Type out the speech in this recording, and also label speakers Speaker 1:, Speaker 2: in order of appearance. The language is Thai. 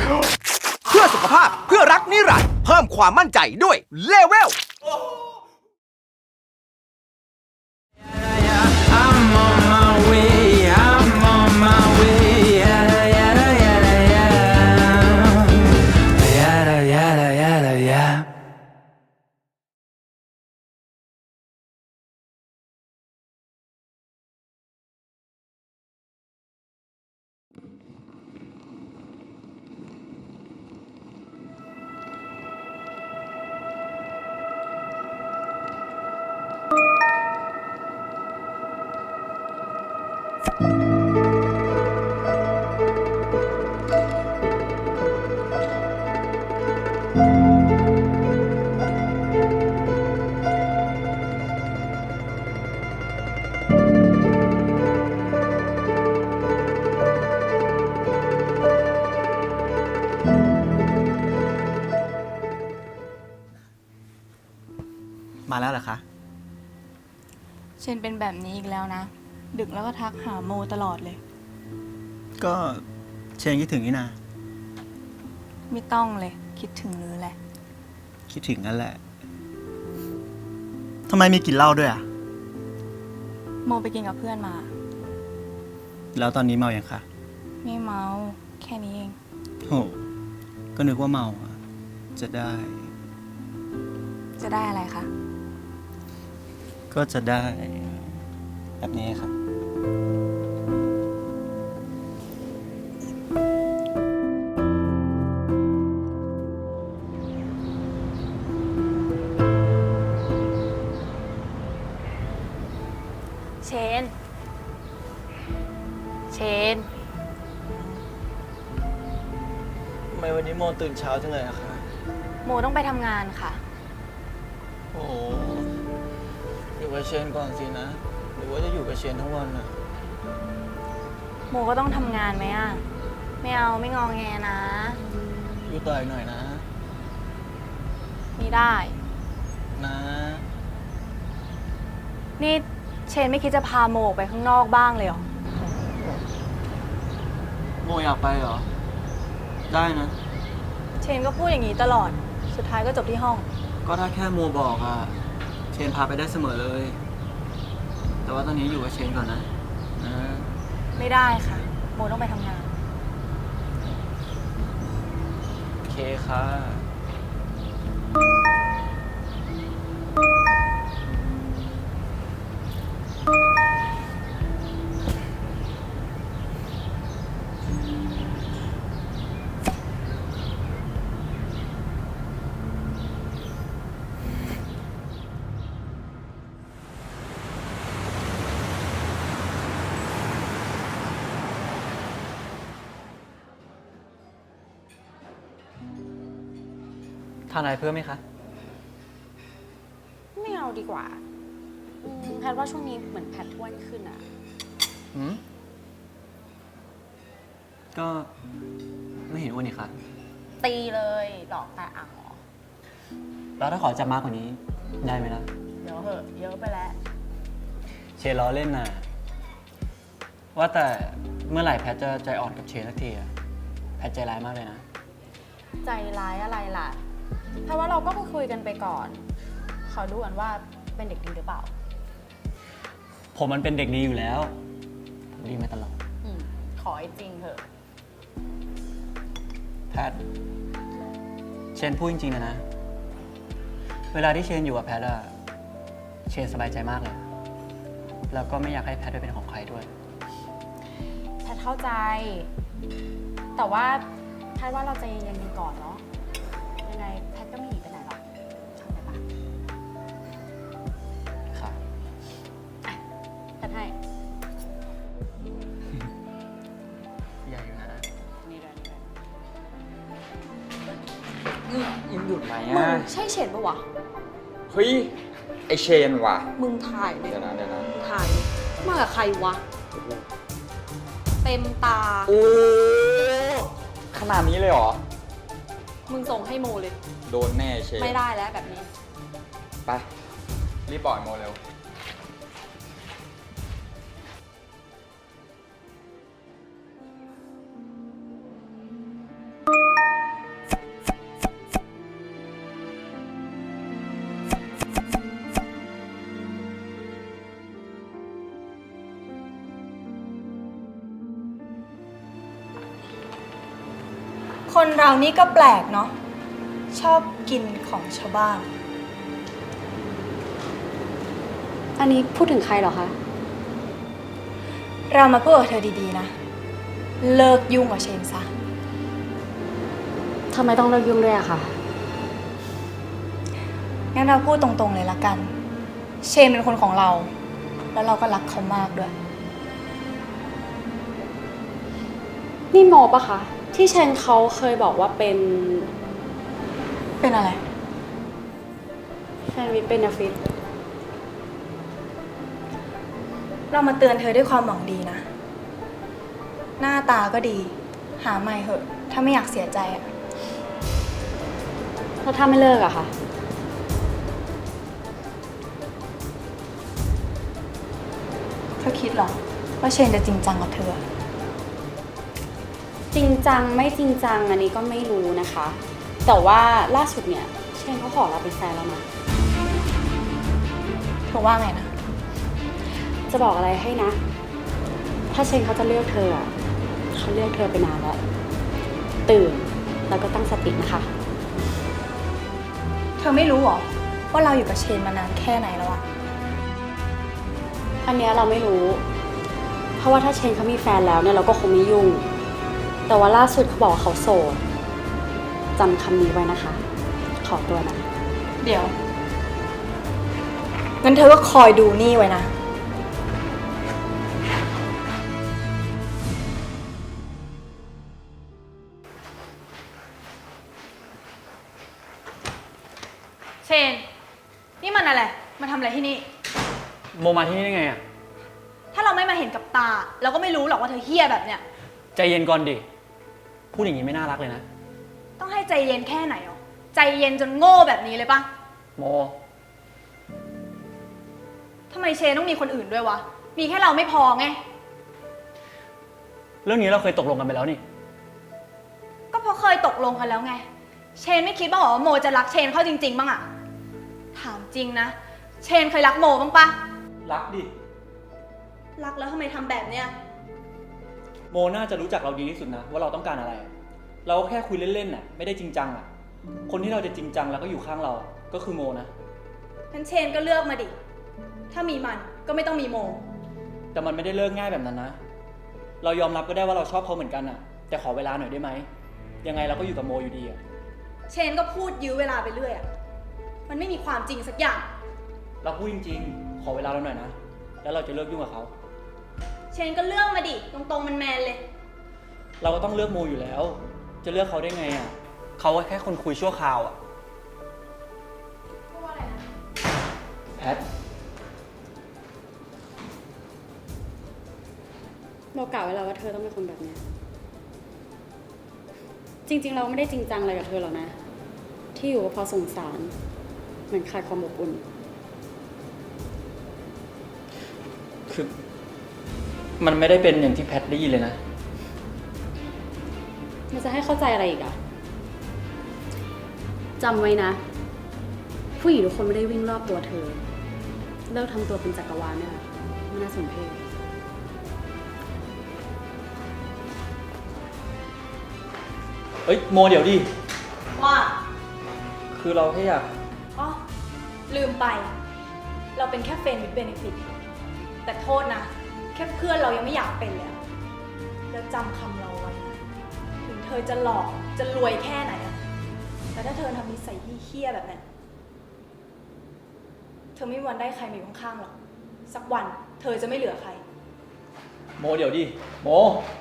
Speaker 1: เพื่อสุขภาพเพื่อรักนิรันดร์เพิ่มความมั่นใจด้วยเลเวล
Speaker 2: I'm on my way, I'm on my way, yada yada yada yada, yada yada yada yada.
Speaker 3: มาแล้วเหรอคะ
Speaker 4: เชนเป็นแบบนี้อีกแล้วนะ ดึกแล้วก็ทักหาโมตลอดเลย
Speaker 3: ก็เชนคิดถึงนี่นา
Speaker 4: ไม่ต้องเลยคิดถึงหรือแหละ
Speaker 3: คิดถึงนั่นแหละทำไมมีกลิ่นเหล้าด้วยอ่ะ
Speaker 4: โมไปกินกับเพื่อนมา
Speaker 3: แล้วตอนนี้เมาอย่างคะ
Speaker 4: ไม่เมาแค่นี้เอง
Speaker 3: โหก็นึกว่าเมาอะจะได้
Speaker 4: จะได้อะไรคะ
Speaker 3: ก็จะได้ แบบนี้ครับ
Speaker 4: เชน เชน
Speaker 3: ทำไมวันนี้โมตื่นเช้าจังเลยอะคะ
Speaker 4: โมต้องไปทำงานค่ะ
Speaker 3: โอ้โหอยู่กับเชนก่อนสินะ หรือว่าจะอยู่กับเชนทั้งวันอะ
Speaker 4: โมก็ต้องทำงานไหมอ่ะ ไม่เอาไม่งอแงนะ
Speaker 3: อยู่ต่ออีกหน่อยนะ
Speaker 4: ไม่ได้
Speaker 3: นะ
Speaker 4: นี่เชนไม่คิดจะพาโมออกไปข้างนอกบ้างเลยเหรอ
Speaker 3: โมอยากไปเหรอ ได้นะ
Speaker 4: เชนก็พูดอย่างนี้ตลอด สุดท้ายก็จบที่ห้อง
Speaker 3: ก็ถ้าแค่โมบอกอะเชนพาไปได้เสมอเลย แต่ว่าตอนนี้อยู่กับเชนก่อนนะนะ
Speaker 4: ไม่ได้ค่ะ โมต้องไปทำงาน
Speaker 3: โอเคค่ะ ทานอะไรเพิ่มไหมคะ
Speaker 5: ไม่เอาดีกว่าแพทว่าช่วงนี้เหมือนแพทอ้วนขึ้นอะ
Speaker 3: หืม ก็ไม่เห็นอ้วนนี่ค่ะ
Speaker 5: ตีเลยดอกแต่อ่างเหรอ
Speaker 3: แล้วถ้าขอจับมากกว่านี้ ได้ไหมล่ะ
Speaker 5: เดี๋ยวเหอะเยอะไปแล้ว
Speaker 3: เชนล้อเล่นน่ะ ว่าแต่เมื่อไหร่แพทจะใจอ่อนกับเชนสักทีอะแพทใจร้ายมากเลยนะ
Speaker 5: ใจร้ายอะไรล่ะแพทว่าเราก็คุยกันไปก่อนขอดูกันว่าเป็นเด็กดีหรือเปล่า
Speaker 3: ผมมันเป็นเด็กดีอยู่แล้ว ผมดีมาตลอด
Speaker 5: ขอให้จริงเถอะ
Speaker 3: แพท เชนพูดจริงๆนะ เวลาที่เชนอยู่กับแพทอะเชนสบายใจมากเลย แล้วก็ไม่อยากให้แพทไปเป็นของใครด้วย
Speaker 5: แพทเข้าใจ แต่ว่าแพทว่าเราใจเย็นๆกันก่อนเนาะยังไงแพทก็ไม่หนีไปไหนหรอกเข้าใจปะ
Speaker 3: ค่ะ
Speaker 5: แพทให้
Speaker 3: ใหญ่อยู่นะ
Speaker 5: นี่เลย
Speaker 6: ยังหยุดไหม
Speaker 5: มึง
Speaker 6: อ่ะ
Speaker 5: ใช่เฉดปะวะ
Speaker 6: เฮ้ย ไอเชนว่ะ
Speaker 5: มึงถ่ายเลย
Speaker 6: เดี๋ยวนะ
Speaker 5: มึงถ่ายมากับใครวะ เต็มตา
Speaker 6: โอ้ขนาดนี้เลยเหรอ
Speaker 5: มึงส่งให้โมเลย
Speaker 6: โดนแน่เชน
Speaker 5: ไม่ได้แล้วแบบนี้
Speaker 6: ไป รีบปล่อยโมเร็ว
Speaker 4: คนเรานี่ก็แปลกเนาะ ชอบกินของชาวบ้าน
Speaker 5: อันนี้พูดถึงใครเหรอคะ
Speaker 4: เรามาพูดกับเธอดีๆนะ เลิกยุ่งกับเชนซะ
Speaker 5: ทำไมต้องเลิกยุ่งด้วยอะคะ
Speaker 4: งั้นเราพูดตรงๆเลยละกัน เชนเป็นคนของเรา แล้วเราก็รักเขามากด้วย
Speaker 5: นี่โมปะคะ ที่เชนเขาเคยบอกว่าเป็น
Speaker 4: เป็นอะไร
Speaker 5: แฟนวิทย์เป็นฟิต
Speaker 4: เรามาเตือนเธอด้วยความหวังดีนะ หน้าตาก็ดี หาใหม่เหอะ ถ้าไม่อยากเสียใจอะ
Speaker 5: แล้วถ้าไม่เลิกอะคะ
Speaker 4: เธอคิดเหรอ ว่าเชนจะจริงจังกับเธอ
Speaker 5: จริงจังไม่จริงจังอันนี้ก็ไม่รู้นะคะ แต่ว่าล่าสุดเนี่ยเชนเขาขอเราเป็นแฟนแล้วนะ
Speaker 4: เธอว่าไงนะ
Speaker 5: จะบอกอะไรให้นะ ถ้าเชนเขาจะเลือกเธออะเขาเลือกเธอไปนานแล้ว ตื่นแล้วก็ตั้งสตินะคะ
Speaker 4: เธอไม่รู้เหรอ ว่าเราอยู่กับเชนมานานแค่ไหนแล้วอะ
Speaker 5: อันเนี้ยเราไม่รู้ เพราะว่าถ้าเชนเขามีแฟนแล้วเนี่ยเราก็คงไม่ยุ่ง แต่ว่าล่าสุดเขาบอกว่าเขาโสดจำคำนี้ไว้นะคะ ขอตัวนะ
Speaker 4: เดี๋ยว งั้นเธอก็คอยดูนี่ไว้นะ เชน นี่มันอะไร มาทำอะไรที่นี่
Speaker 3: โมมาที่นี่ได้ไงอะ
Speaker 4: ถ้าเราไม่มาเห็นกับตา เราก็ไม่รู้หรอกว่าเธอเฮี้ยแบบเนี้ย
Speaker 3: ใจเย็นก่อนดิ พูดอย่างนี้ไม่น่ารักเลยนะ
Speaker 4: ต้องให้ใจเย็นแค่ไหนอ๋อใจเย็นจนโง่แบบนี้เลยปะ
Speaker 3: โม
Speaker 4: ทำไมเชนต้องมีคนอื่นด้วยวะ มีแค่เราไม่พอไง
Speaker 3: เรื่องนี้เราเคยตกลงกันไปแล้วนี่
Speaker 4: ก็เพราะเคยตกลงกันแล้วไง เชนไม่คิดบ้างเหรอว่าโมจะรักเชนเข้าจริงๆบ้างอะถามจริงนะ เชนเคยรักโมบ้างปะ
Speaker 3: รักดิ
Speaker 4: รักแล้วทำไมทำแบบเนี้ย
Speaker 3: โมน่าจะรู้จักเราดีที่สุดนะว่าเราต้องการอะไร เราก็แค่คุยเล่นๆน่ะไม่ได้จริงจังอ่ะ คนที่เราจะจริงจังแล้วก็อยู่ข้างเราก็คือโมนะ
Speaker 4: งั้นเชนก็เลือกมาดิ ถ้ามีมันก็ไม่ต้องมีโม
Speaker 3: แต่มันไม่ได้เลิกง่ายแบบนั้นนะ เรายอมรับก็ได้ว่าเราชอบเขาเหมือนกันอ่ะ แต่ขอเวลาหน่อยได้ไหม ยังไงเราก็อยู่กับโมอยู่ดีอ่ะ
Speaker 4: เชนก็พูดยื้อเวลาไปเรื่อยอะมันไม่มีความจริงสักอย่าง
Speaker 3: เราพูดจริงๆ ขอเวลาเราหน่อยนะ แล้วเราจะเลิกยุ่งกับเขา
Speaker 4: เชนก็เลือกมาดิ ตรงๆมันแมนเลย
Speaker 3: เราก็ต้องเลือกโมอยู่แล้ว จะเลือกเขาได้ไงอ่ะ เขาแค่คนคุยชั่วคราวอ่ะแพท
Speaker 5: เรากล่าวไว้แล้วว่าเธอต้องเป็นคนแบบเนี้ยจริงๆเราไม่ได้จริงจังอะไรกับเธอหรอกนะ ที่อยู่ก็เพราะสงสารเหมือนขาดความอบอุ่น
Speaker 3: คือมันไม่ได้เป็นอย่างที่แพทได้ยินเลยนะ
Speaker 5: มันจะให้เข้าใจอะไรอีกอะจำไว้นะ ผู้หญิงทุกคนไม่ได้วิ่งรอบตัวเธอ เลิกทำตัวเป็นจักรวาลเนี่ยไม่น่าสมเพช
Speaker 3: เอ้ยโมเดี๋ยวดิ
Speaker 4: ว่า
Speaker 3: คือเราแค่อยาก
Speaker 4: อ๋อ ลืมไป เราเป็นแค่เฟรนด์วิดเบเนฟิตแต่โทษนะ แค่เพื่อนเรายังไม่อยากเป็นเลยอะแล้วจำคำเราไว้นะถึงเธอจะหลอกจะรวยแค่ไหนอะแต่ถ้าเธอทำนิสัยเหี้ยๆแบบนั้น เธอไม่มีวันได้ใครมาอยู่ข้างๆหรอก สักวันเธอจะไม่เหลือใคร
Speaker 3: โมเดี๋ยวดิ โม